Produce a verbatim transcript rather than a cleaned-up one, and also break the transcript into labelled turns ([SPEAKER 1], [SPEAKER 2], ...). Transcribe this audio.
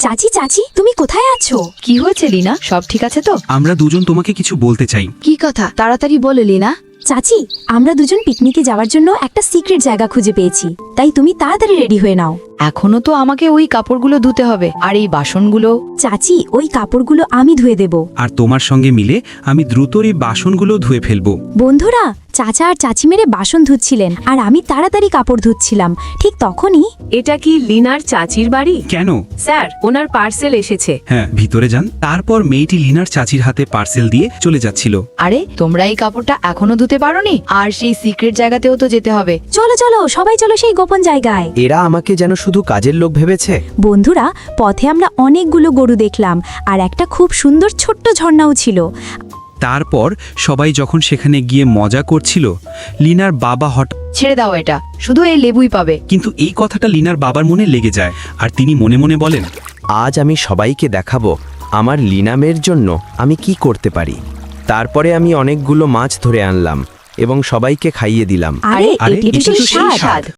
[SPEAKER 1] চাচি চাচি তুমি কোথায় আছো?
[SPEAKER 2] কি হয়েছে লিনা, সব ঠিক আছে তো?
[SPEAKER 3] আমরা দুজন তোমাকে কিছু বলতে চাই।
[SPEAKER 2] কি কথা, তাড়াতাড়ি বলো লিনা।
[SPEAKER 1] চাচি, আমরা দুজন পিকনিকে যাওয়ার জন্য একটা সিক্রেট জায়গা খুঁজে পেয়েছি, তাই তুমি তাড়াতাড়ি রেডি হয়ে নাও।
[SPEAKER 2] এখনো তো আমাকে ওই কাপড়গুলো ধুতে হবে, আর এই বাসনগুলো।
[SPEAKER 1] চাচি, ওই কাপড়গুলো আমি ধুয়ে দেব।
[SPEAKER 3] আর তোমার সঙ্গে মিলে আমি দ্রুত এই বাসনগুলো ধুয়ে ফেলবো।
[SPEAKER 1] বন্ধুরা, চাচা আর চাচি মেরে বাসন ধুচ্ছিলেন আর আমি তাড়াতাড়ি কাপড় ধুচ্ছিলাম। ঠিক তখনই
[SPEAKER 4] এটা কি লিনার চাচির বাড়ি?
[SPEAKER 3] কেন?
[SPEAKER 4] স্যার, ওনার পার্সেল এসেছে।
[SPEAKER 3] হ্যাঁ, ভিতরে যান। তারপর মেয়েটি লিনার চাচির হাতে পার্সেল দিয়ে চলে যাচ্ছিল।
[SPEAKER 2] আরে, তোমরা এই কাপড়টা এখনো ধুতে পারোনি? আর সেই সিক্রেট জায়গাতেও তো যেতে হবে।
[SPEAKER 1] চলো চলো, সবাই চলো সেই গোপন জায়গায়।
[SPEAKER 5] এরা আমাকে যেন শুধু কাজের লোক ভেবেছে।
[SPEAKER 1] বন্ধুরা, পথে আমরা অনেকগুলো গরু দেখলাম আর একটা খুব সুন্দর ছোট্ট ঝর্ণাও ছিল।
[SPEAKER 3] তারপর সবাই যখন সেখানে গিয়ে মজা করছিল, লিনার বাবা হঠাৎ
[SPEAKER 2] ছেড়ে দাও, এটা শুধু এই লেবুই পাবে।
[SPEAKER 3] কিন্তু এই কথাটা লিনার বাবার মনে লেগে যায়, আর তিনি মনে মনে বলেন,
[SPEAKER 5] আজ আমি সবাইকে দেখাবো আমার লিনামের জন্য আমি কি করতে পারি। তারপরে আমি অনেকগুলো মাছ ধরে আনলাম এবং সবাইকে খাইয়ে দিলাম।
[SPEAKER 1] আরে,
[SPEAKER 3] আরে,
[SPEAKER 1] এটি তো
[SPEAKER 3] এটি তো
[SPEAKER 1] সেই
[SPEAKER 3] সেই
[SPEAKER 1] স্বাদ।
[SPEAKER 3] স্বাদ।